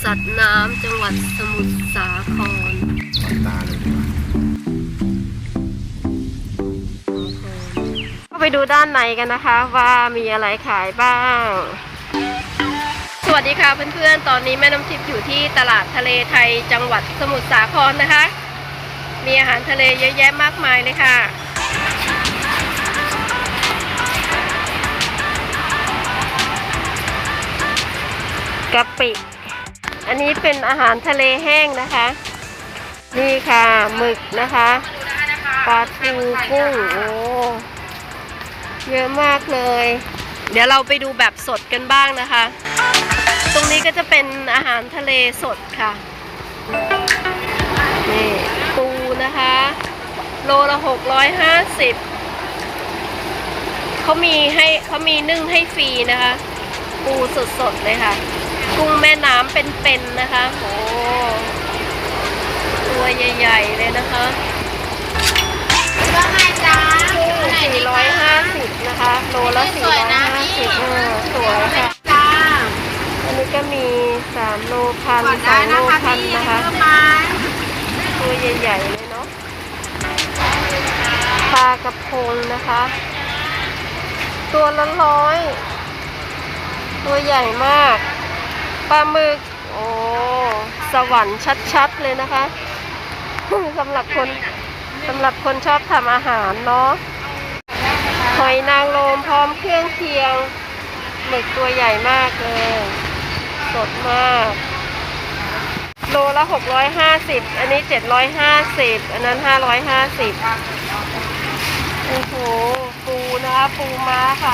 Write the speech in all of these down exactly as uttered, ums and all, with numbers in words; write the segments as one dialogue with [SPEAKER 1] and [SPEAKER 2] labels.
[SPEAKER 1] สัตว์น้ำจังหวัดสมุทรสาครตาเลยก็ไปดูด้านในกันนะคะว่ามีอะไรขายบ้างสวัสดีค่ะเพื่อนๆตอนนี้แม่น้ำทิพย์อยู่ที่ตลาดทะเลไทยจังหวัดสมุทรสาครนะคะมีอาหารทะเลเยอะแยะมากมายเลยค่ะกะปิอันนี้เป็นอาหารทะเลแห้งนะคะนี่ค่ะหมึกนะคะปลาทูกุ้งโอ้เยอะมากเลยเดี๋ยวเราไปดูแบบสดกันบ้างนะคะตรงนี้ก็จะเป็นอาหารทะเลสดค่ะนี่ปูนะคะโลละหกร้อยห้าสิบเขามีให้เขามีนึ่งให้ฟรีนะคะปูสดๆเลยค่ะกุ้งแม่น้ำเป็นๆนะคะโอ้ตัวใหญ่ๆเลยนะคะ
[SPEAKER 2] ว่าไงจ๊ะ
[SPEAKER 1] สี่ร้อยห้าสิบนะคะโลละสี่ร้อยห้าสิบเออสวยค่ะ
[SPEAKER 2] จ้า
[SPEAKER 1] อันนี้ก็มีสามโลพันสองโลพันนะคะตัวใหญ่ๆเลยเนาะปลากระพงนะคะตัวละร้อยตัวใหญ่มากปลาหมึกโอ้สวรรค์ชัดๆเลยนะคะสำหรับคนสำหรับคนชอบทำอาหารเนาะหอยนางรมพร้อมเครื่องเคียงหมึกตัวใหญ่มากเลยสดมากโลละหกร้อยห้าสิบอันนี้เจ็ดร้อยห้าสิบอันนั้นห้าร้อยห้าสิบโอ้โหปูนะคะปูม้าค่ะ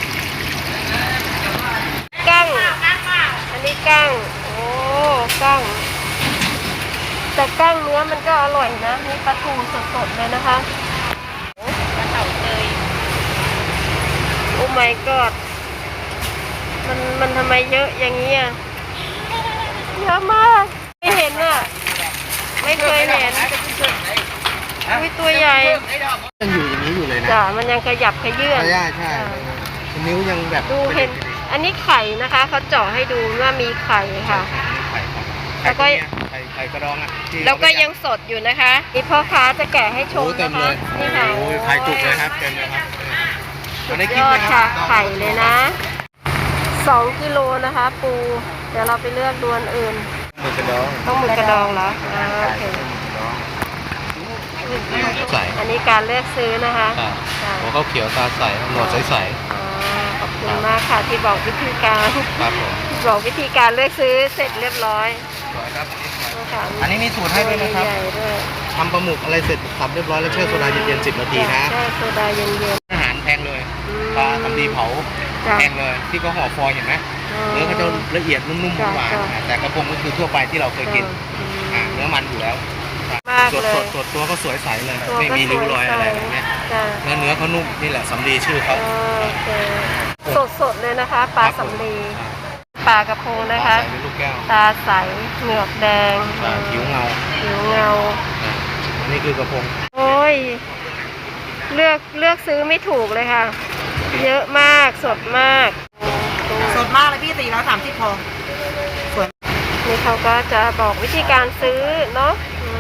[SPEAKER 1] กั้งอันนี้กั้งโอ้กั้งแต่กั้งเนื้อมันก็อร่อยนะนี่ปลาทูสดๆเลยนะคะปลาเต่าเตยโอ้ my god มันมันทำไมเยอะอย่างนี้อ่ะเยอะมากไม่เห็นอ่ะไม่เคยเห็นอุ้ยตัวใหญ่
[SPEAKER 3] ยังอยู่อย่างนี้อยู่เลยนะ
[SPEAKER 1] จ้ะมันยังขยับขยื่น
[SPEAKER 3] ใช่ใช่นิ้วยังแบบ
[SPEAKER 1] ดูเห็นอันนี้ไข่นะคะเขาเจาะให้ดูว่ามีไข่ค่ะแล้วก็
[SPEAKER 3] ไข่ไข่กระดองอ่ะ
[SPEAKER 1] แล้วก็ยังสดอยู่นะคะนี่พ่อค้าจะแกะให้ชมนะคะนี่ค่ะ
[SPEAKER 3] โอ้ยไข่จุกเลยครับเต็มเลยครับ
[SPEAKER 1] สุดยอดค่ะไข่เลยนะสองกิโลนะคะปูเดี๋ยวเราไปเลือกดวนอื่น
[SPEAKER 3] หมึกกระดอง
[SPEAKER 1] ต้องหมึกกระดองเหรออ่าโอเค
[SPEAKER 3] ใส่
[SPEAKER 1] อันนี้การเลือกซื้อนะคะ
[SPEAKER 3] หัวข้าวเขียวตาใสหนวดใส
[SPEAKER 1] ๆขอบคุณมากค่ะที่บอกวิธีการ
[SPEAKER 3] ครับผม
[SPEAKER 1] บอกวิธีการเลือกซื้อเสร็จเรียบร้อย
[SPEAKER 3] อันนี้มีสูตรให้ด้วยนะครับทำปลาหมึกอะไรเสร็จสับเรียบร้อยแล้วแช่โซดาเย็นๆสิบนาทีนะ
[SPEAKER 1] แช่โซดาเย็น
[SPEAKER 3] ๆอาหารแพงเลยปลาทำดีเผาแพงเลยที่เขาห่อฟอยล์เห็นไหมเนื้อเขาจะละเอียดนุ่มๆหวานๆแต่กระพงก็คือทั่วไปที่เราเคยกินเนื้อมันอยู่แล้วสดสดสดตัวก็สวยใสเลยไม่มีริ้วรอยอะไรแบบนี้เนื้อเนื้อเขานุ่มนี่แหละสำลีชื่อเขา
[SPEAKER 1] สดสดเลยนะคะปลาสำลีปลากระพงนะคะตาใสเหงือกแดง
[SPEAKER 3] ผิวเงา
[SPEAKER 1] ผิวเงา
[SPEAKER 3] อันนี้คือกระพง
[SPEAKER 1] โอ้ยเลือกเลือกซื้อไม่ถูกเลยค่ะเยอะมากสดมาก
[SPEAKER 2] สดมากเลยพี่สี่ร้อยสามสิบพอสวย
[SPEAKER 1] นี่เขาก็จะบอกวิธีการซื้อเนาะ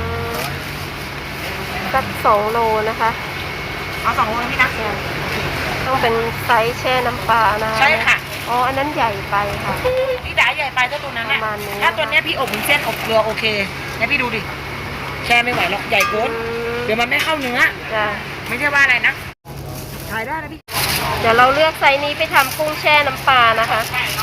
[SPEAKER 1] สักสองโลนะคะ
[SPEAKER 2] เอาสองโลพี่นะ
[SPEAKER 1] ต้องเป็นไซส์แช่น้ำปลานะ
[SPEAKER 2] ใช่ค่ะ
[SPEAKER 1] อ๋ออันนั้นใหญ่ไปค่ะ
[SPEAKER 2] พี่ด่าใหญ่ไปถ้าตัวนั้นน่ะถ้าตัวนี้พี่อบเหมือนเส้นอบเกลือโอเคเนี่ยพี่ดูดิแช่ไม่ไหวหรอกใหญ่โคตรเดี๋ยวมันไม่เข้าเนื้อ
[SPEAKER 1] จ้ะ
[SPEAKER 2] ไม่ใช่ว่าอะไรนะถ่ายได้นะพี่
[SPEAKER 1] เดี๋ยวเราเลือกไซส์นี้ไปทำกุ้งแช่น้ำปลานะคะ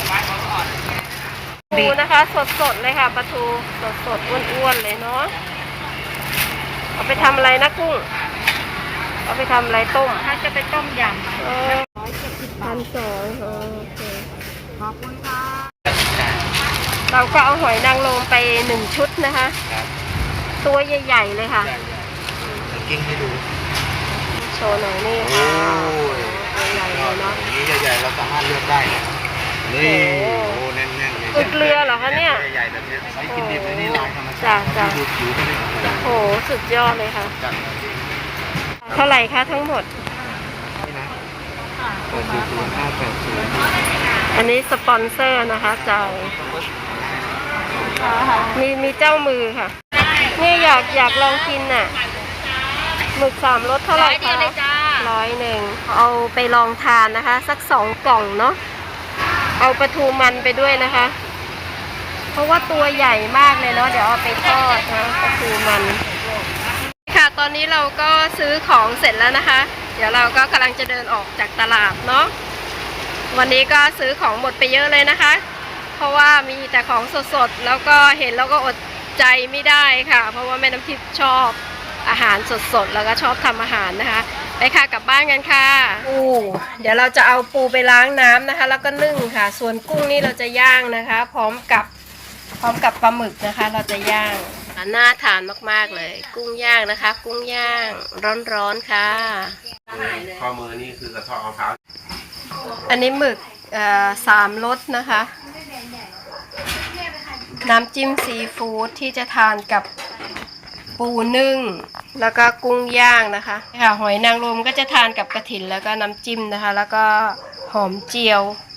[SPEAKER 1] ปูนะคะสดๆเลยค่ะปลาทูสดๆอ้วนๆเลยเนาะเอาไปทำอะไรนะกุ้งเอาไปทำอะไรต้ม
[SPEAKER 2] ถ้าจะไปต้มยำ
[SPEAKER 1] เออพันสองโอเค
[SPEAKER 2] ขอบคุณค่ะ
[SPEAKER 1] เราก็เอาหอยนางรมไปหนึ่งชุดนะคะตัวใหญ่ๆเลยค่ะ
[SPEAKER 3] กิ้งให้ดู
[SPEAKER 1] โชว์หน่อยนี่ค่ะตัวใหญ่เลยเนาะ
[SPEAKER 3] นี้ใหญ่ๆเราสามารถเลือกได้นี่โอ้แน่นๆ
[SPEAKER 1] เลยเกลือเหรอคะเนี่ย
[SPEAKER 3] ใหญ่ๆแบบนี้ใช้กินดิบนี่ลายธรรมชาติดูผิวก็ได้
[SPEAKER 1] โอ้โหสุดยอดเลยค่ะเท่าไหร่คะทั้งหมด
[SPEAKER 3] นี่นะเปิดดูตัวห้าแปดศูนย์
[SPEAKER 1] อันนี้สปอนเซอร์นะคะจ่ายมีมีเจ้ามือค่ะเนี่ยอยากอยากลองกินน่ะหมึกสามรสเท่าไหร่คะร้อยหนึ่งเอาไปลองทานนะคะ สักสองกล่องเนาะเอาปลาทูมันไปด้วยนะคะ เพราะว่าตัวใหญ่มากเลยเนาะเดี๋ยวเอาไปทอดนะปลาทูมันค่ะตอนนี้เราก็ซื้อของเสร็จแล้วนะคะ เดี๋ยวเราก็กำลังจะเดินออกจากตลาดเนาะวันนี้ก็ซื้อของหมดไปเยอะเลยนะคะ เพราะว่ามีแต่ของสดๆแล้วก็เห็นแล้วก็อดใจไม่ได้ค่ะ เพราะว่าแม่น้ำทิพย์ชอบอาหารสดๆแล้วก็ชอบทำอาหารนะคะไปค่ะกลับบ้านกันค่ะปูเดี๋ยวเราจะเอาปูไปล้างน้ำนะคะ แล้วก็นึ่งค่ะ ส่วนกุ้งนี่เราจะย่างนะคะ พร้อมกับพร้อมกับปลาหมึกนะคะ เราจะย่างน่าทานมากๆเลย กุ้งย่างนะคะ กุ้งย่างร้อนๆค่ะ
[SPEAKER 3] ข้อมือนี่คือกระเทาะมะพร้าว
[SPEAKER 1] อันนี้หมึกเอ่อสามรสนะคะ น้ำจิ้มซีฟู้ดที่จะทานกับปูนึ่งแล้วก็กุ้งย่างนะคะค่ะหอยนางรมก็จะทานกับกระถินแล้วก็น้ำจิ้มนะคะ แล้วก็หอมเจียว